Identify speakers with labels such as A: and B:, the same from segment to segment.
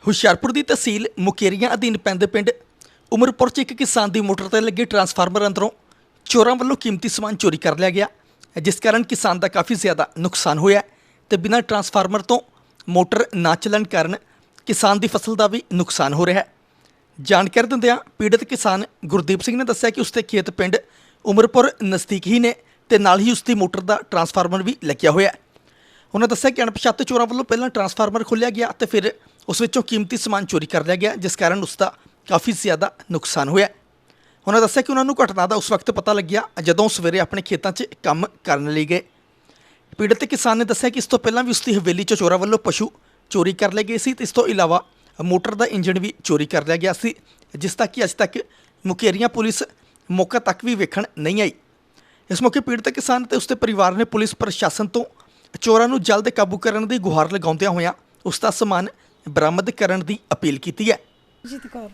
A: ਹੁਸ਼ਿਆਰਪੁਰ ਦੀ ਤਹਿਸੀਲ ਮੁਕੇਰੀਆਂ ਅਧੀਨ ਪੈਂਦੇ ਪਿੰਡ ਉਮਰਪੁਰ 'ਚ ਇੱਕ ਕਿਸਾਨ ਦੀ ਮੋਟਰ 'ਤੇ ਲੱਗੇ ਟਰਾਂਸਫਾਰਮਰ ਅੰਦਰੋਂ ਚੋਰਾਂ ਵੱਲੋਂ ਕੀਮਤੀ ਸਮਾਨ ਚੋਰੀ ਕਰ ਲਿਆ ਗਿਆ, ਜਿਸ ਕਾਰਨ ਕਿਸਾਨ ਦਾ ਕਾਫੀ ਜ਼ਿਆਦਾ ਨੁਕਸਾਨ ਹੋਇਆ ਤੇ ਬਿਨਾਂ ਟਰਾਂਸਫਾਰਮਰ ਤੋਂ ਮੋਟਰ ਨਾ ਚੱਲਣ ਕਾਰਨ ਕਿਸਾਨ ਦੀ ਫਸਲ ਦਾ ਵੀ ਨੁਕਸਾਨ ਹੋ ਰਿਹਾ ਹੈ। ਜਾਣਕਾਰੀ ਦਿੰਦਿਆਂ ਪੀੜਤ ਕਿਸਾਨ ਗੁਰਦੀਪ ਸਿੰਘ ਨੇ ਦੱਸਿਆ ਕਿ ਉਸਦੇ ਖੇਤ ਪਿੰਡ ਉਮਰਪੁਰ ਨਜ਼ਦੀਕ ਹੀ ਨੇ ਤੇ ਨਾਲ ਹੀ ਉਸਦੀ ਮੋਟਰ ਦਾ ਟਰਾਂਸਫਾਰਮਰ ਵੀ ਲੱਗਿਆ ਹੋਇਆ ਹੈ। ਉਹਨਾਂ ਦੱਸਿਆ ਕਿ ਅਣਪਛਾਤੇ ਚੋਰਾਂ ਵੱਲੋਂ ਪਹਿਲਾਂ ਟਰਾਂਸਫਾਰਮਰ ਖੋਲ੍ਹਿਆ ਗਿਆ ਤੇ ਫਿਰ ਉਸ ਵਿੱਚੋਂ ਕੀਮਤੀ ਸਮਾਨ ਚੋਰੀ ਕਰ ਲਿਆ ਗਿਆ, ਜਿਸ ਕਾਰਨ ਉਸ ਦਾ ਕਾਫੀ ਜ਼ਿਆਦਾ ਨੁਕਸਾਨ ਹੋਇਆ। ਉਹਨਾਂ ਦੱਸਿਆ ਕਿ ਉਹਨਾਂ ਨੂੰ ਘਟਨਾ ਦਾ ਉਸ ਵਕਤ ਪਤਾ ਲੱਗਿਆ ਜਦੋਂ ਸਵੇਰੇ ਆਪਣੇ ਖੇਤਾਂ 'ਚ ਕੰਮ ਕਰਨ ਲਈ ਗਏ। ਪੀੜਤ ਕਿਸਾਨ ਨੇ ਦੱਸਿਆ ਕਿ ਇਸ ਤੋਂ ਪਹਿਲਾਂ ਵੀ ਉਸਦੀ ਹਵੇਲੀ 'ਚ ਚੋਰਾਂ ਵੱਲੋਂ ਪਸ਼ੂ ਚੋਰੀ ਕਰ ਲਏ ਗਏ ਸੀ ਤੇ ਇਸ ਤੋਂ ਇਲਾਵਾ ਮੋਟਰ ਦਾ ਇੰਜਣ ਵੀ ਚੋਰੀ ਕਰ ਲਿਆ ਗਿਆ ਸੀ, ਜਿਸ ਦਾ ਕਿ ਅੱਜ ਤੱਕ ਮੁਕੇਰੀਆਂ ਪੁਲਿਸ ਮੌਕਾ ਤੱਕ ਵੀ ਵੇਖਣ ਨਹੀਂ ਆਈ। ਇਸ ਮੌਕੇ ਪੀੜਤ ਕਿਸਾਨ ਤੇ ਉਸਦੇ ਪਰਿਵਾਰ ਨੇ ਪੁਲਿਸ ਪ੍ਰਸ਼ਾਸਨ ਤੋਂ ਚੋਰਾਂ ਨੂੰ ਜਲਦ ਕਾਬੂ ਕਰਨ ਦੀ ਗੁਹਾਰ ਲਗਾਉਂਦਿਆਂ ਹੋਇਆਂ ਉਸ ਦਾ ਸਮਾਨ ਬਰਾਮਦ ਕਰਨ ਦੀ ਅਪੀਲ ਕੀਤੀ ਹੈ।
B: ਜੀਤ ਕੌਰ।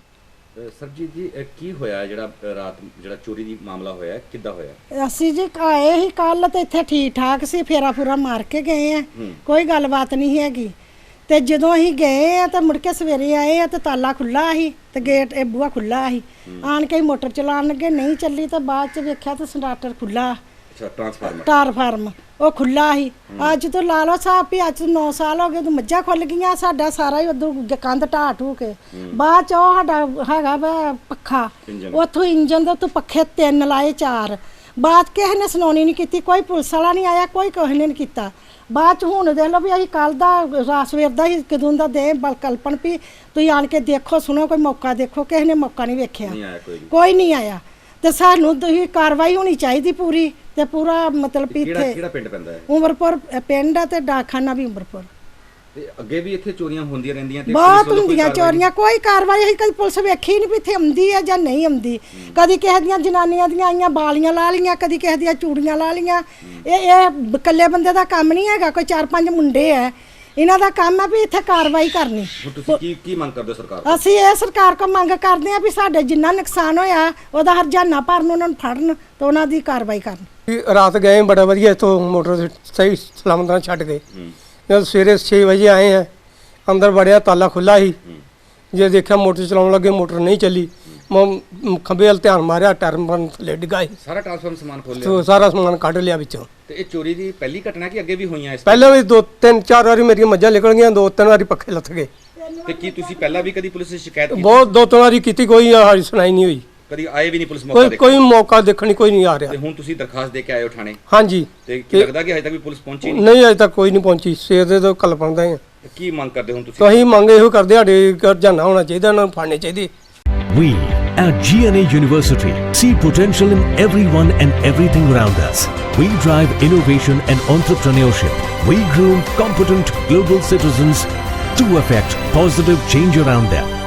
C: ਸਰਜੀਤ ਜੀ ਕੀ ਹੋਇਆ ਜਿਹੜਾ ਰਾਤ ਜਿਹੜਾ ਚੋਰੀ ਦੀ ਮਾਮਲਾ ਹੋਇਆ ਕਿੱਦਾਂ ਹੋਇਆ?
B: ਅਸੀਂ ਜੀ ਆਏ ਹੀ ਕੱਲ ਤੇ ਇੱਥੇ ਠੀਕ ਠਾਕ ਸੀ, ਫੇਰਾ ਫੂਰਾ ਮਾਰ ਕੇ ਗਏ ਆ, ਕੋਈ ਗੱਲਬਾਤ ਨਹੀਂ ਹੈਗੀ। ਤੇ ਜਦੋਂ ਅਸੀਂ ਗਏ ਆ ਤਾਂ ਮੁੜ ਕੇ ਸਵੇਰੇ ਆਏ ਆ ਤੇ ਤਾਲਾ ਖੁੱਲਾ ਸੀ ਤੇ ਗੇਟ ਇਹ ਬੂਹਾ ਖੁੱਲਾ ਸੀ। ਆਣ ਕੇ ਮੋਟਰ ਚਲਾਉਣ ਲੱਗੇ, ਨਹੀਂ ਚੱਲੀ ਤਾਂ ਬਾਅਦ ਚ ਵੇਖਿਆ ਤਾਂ ਸਟਾਰਟਰ ਖੁੱਲਾ।
C: ਅੱਛਾ,
B: ਟਰਾਂਸਫਾਰਮ ਉਹ ਖੁੱਲਾ ਸੀ। ਅੱਜ ਤੋਂ ਲਾ ਲਓ ਸਾਹਿਬ ਵੀ ਅੱਜ 9 ਸਾਲ ਹੋ ਗਏ ਤੂੰ ਮੱਝਾਂ ਖੁੱਲ ਗਈਆਂ, ਸਾਡਾ ਸਾਰਾ ਹੀ ਉਧਰ ਕੰਧ ਢਾਹ ਢੂ ਕੇ। ਬਾਅਦ ਚ ਉਹ ਸਾਡਾ ਹੈਗਾ ਵਾ ਪੱਖਾ, ਉੱਥੋਂ ਇੰਜਨ ਦੇ ਉੱਤੋਂ ਪੱਖੇ 3 ਲਾਏ 4। ਬਾਅਦ ਕਿਸੇ ਨੇ ਸੁਣਾਉਣੀ ਨਹੀਂ ਕੀਤੀ, ਕੋਈ ਪੁਲਿਸ ਵਾਲਾ ਨਹੀਂ ਆਇਆ, ਕੋਈ ਕਿਸੇ ਨੇ ਨਹੀਂ ਕੀਤਾ। ਬਾਅਦ ਚ ਹੁਣ ਦੇਖ ਲਓ ਵੀ ਅਸੀਂ ਕੱਲ ਦਾ ਰਾਤ ਸਵੇਰ ਦਾ ਹੀ ਕਦੋਂ ਦਾ ਦੇ ਕਲਪਨ ਵੀ ਤੁਸੀਂ ਆਣ ਕੇ ਦੇਖੋ ਸੁਣੋ, ਕੋਈ ਮੌਕਾ ਦੇਖੋ। ਕਿਸੇ ਨੇ ਮੌਕਾ ਨਹੀਂ ਵੇਖਿਆ, ਕੋਈ ਨਹੀਂ ਆਇਆ। ਤੇ ਸਾਨੂੰ ਤੁਸੀਂ ਕਾਰਵਾਈ ਹੋਣੀ ਚਾਹੀਦੀ ਪੂਰੀ ਤੇ ਪੂਰਾ ਮਤਲਬ ਵੀ ਇੱਥੇ
C: ਕਿਹੜਾ ਪਿੰਡ ਪੈਂਦਾ ਹੈ?
B: ਉਮਰਪੁਰ ਪਿੰਡ ਆ ਤੇ ਡਾਕਖਾਨਾ ਵੀ ਉਮਰਪੁਰ।
C: ਤੇ ਅੱਗੇ ਵੀ ਇੱਥੇ ਚੋਰੀਆਂ ਹੁੰਦੀਆਂ ਰਹਿੰਦੀਆਂ ਤੇ
B: ਬਹੁਤ ਹੁੰਦੀਆਂ ਚੋਰੀਆਂ, ਕੋਈ ਕਾਰਵਾਈ ਅਸੀਂ ਕਦੀ ਪੁਲਿਸ ਵੇਖੀ ਨਹੀਂ ਵੀ ਇੱਥੇ ਆਉਂਦੀ ਹੈ ਜਾਂ ਨਹੀਂ ਆਉਂਦੀ। ਕਦੀ ਕਿਸੇ ਦੀਆਂ ਜਨਾਨੀਆਂ ਦੀਆਂ ਆਈਆਂ ਬਾਲੀਆਂ ਲਾ ਲਈਆਂ, ਕਦੀ ਕਿਸੇ ਦੀਆਂ ਚੂੜੀਆਂ ਲਾ ਲਈਆਂ। ਇਹ ਇਕੱਲੇ ਬੰਦੇ ਦਾ ਕੰਮ ਨਹੀਂ ਹੈਗਾ, ਕੋਈ 4-5 ਮੁੰਡੇ ਹੈ, ਇਹਨਾਂ ਦਾ ਕੰਮ ਹੈ ਵੀ ਇੱਥੇ ਕਾਰਵਾਈ ਕਰਨੀ।
C: ਤੁਸੀਂ ਕੀ ਮੰਗ ਕਰਦੇ ਹੋ ਸਰਕਾਰ ਤੋਂ?
B: ਅਸੀਂ ਇਹ ਸਰਕਾਰ ਕੋਲ ਮੰਗ ਕਰਦੇ ਹਾਂ ਵੀ ਸਾਡੇ ਜਿੰਨਾ ਨੁਕਸਾਨ ਹੋਇਆ ਉਹਦਾ ਹਰਜਾਨਾ ਭਰਨ, ਉਹਨਾਂ ਨੂੰ ਫੜਨ ਤੇ ਉਹਨਾਂ ਦੀ ਕਾਰਵਾਈ ਕਰਨ।
D: ਰਾਤ ਗਏ ਬੜਾ ਵਧੀਆ, ਇੱਥੋਂ ਮੋਟਰ ਸਹੀ ਸਲਾਮਤ ਨਾਲ ਛੱਡ ਗਏ। ਜਦ ਸਵੇਰੇ 6 ਵਜੇ ਆਏ ਆ, ਅੰਦਰ ਵੜਿਆ ਤਾਲਾ ਖੁੱਲਾ ਸੀ। ਜੇ ਦੇਖਿਆ ਮੋਟਰ ਚਲਾਉਣ ਲੱਗੇ, ਮੋਟਰ ਨਹੀਂ ਚੱਲੀ। ਖੰਭੇ ਵੱਲ ਧਿਆਨ ਮਾਰਿਆ, ਟਰਮ ਥੱਲੇ ਡਿੱਗਾ ਸੀ।
C: ਸਾਰਾ ਟਰਾਂਸਫਾਰਮਰ ਸਮਾਨ ਖੋਲ ਲਿਆ,
D: ਸਾਰਾ ਸਮਾਨ ਕੱਢ ਲਿਆ ਵਿੱਚੋਂ।
C: ਤੇ ਇਹ ਚੋਰੀ ਦੀ ਪਹਿਲੀ ਘਟਨਾ ਕਿ ਅੱਗੇ ਵੀ ਹੋਈਆਂ ਇਸ
D: ਪਹਿਲਾਂ ਵੀ 2-3-4 ਵਾਰੀ ਮੇਰੀਆਂ ਮੱਝਾਂ ਨਿਕਲ ਗਈਆਂ, 2-3 ਵਾਰੀ ਪੱਖੇ ਲੱਥ ਗਏ।
C: ਤੇ ਕੀ ਤੁਸੀਂ ਪਹਿਲਾਂ ਵੀ ਕਦੀ ਪੁਲਿਸ ਨੂੰ ਸ਼ਿਕਾਇਤ ਕੀਤੀ?
D: ਬਹੁਤ 2-3 ਵਾਰੀ ਕੀਤੀ, ਕੋਈ ਹਾਰੀ ਸੁਣਾਈ ਨਹੀਂ ਹੋਈ।
C: ਕਦੀ ਆਏ ਵੀ ਨਹੀਂ ਪੁਲਿਸ ਮੌਕਾ ਦੇਖਣ?
D: ਕੋਈ ਮੌਕਾ ਦੇਖਣ ਕੋਈ ਨਹੀਂ ਆ ਰਿਹਾ।
C: ਤੇ ਹੁਣ ਤੁਸੀਂ ਦਰਖਾਸਤ ਦੇ ਕੇ ਆਏ ਹੋ ਥਾਣੇ?
D: ਹਾਂਜੀ।
C: ਤੇ ਕੀ ਲੱਗਦਾ ਕਿ ਹਜੇ ਤੱਕ ਵੀ ਪੁਲਿਸ ਪਹੁੰਚੀ ਨਹੀਂ?
D: ਨਹੀਂ, ਅਜੇ ਤੱਕ ਕੋਈ ਨਹੀਂ ਪਹੁੰਚੀ। ਸਵੇਰ ਦੇ ਤੋਂ ਕਲਪਣਦਾ ਹੀ ਆ।
C: ਕੀ ਮੰਗ ਕਰਦੇ ਹੁਣ ਤੁਸੀਂ?
D: ਤਾਂ ਅਸੀਂ ਮੰਗ ਇਹੋ ਕਰਦੇ, ਸਾਡੇ ਹਰਜਾਨਾ ਹੋਣਾ ਚਾਹੀਦਾ, ਉਹਨਾਂ ਨੂੰ ਫੜਨੇ ਚਾਹੀਦੇ।
E: We at GNA University see potential in everyone and everything around us. We drive innovation and entrepreneurship. We groom competent global citizens to affect positive change around them.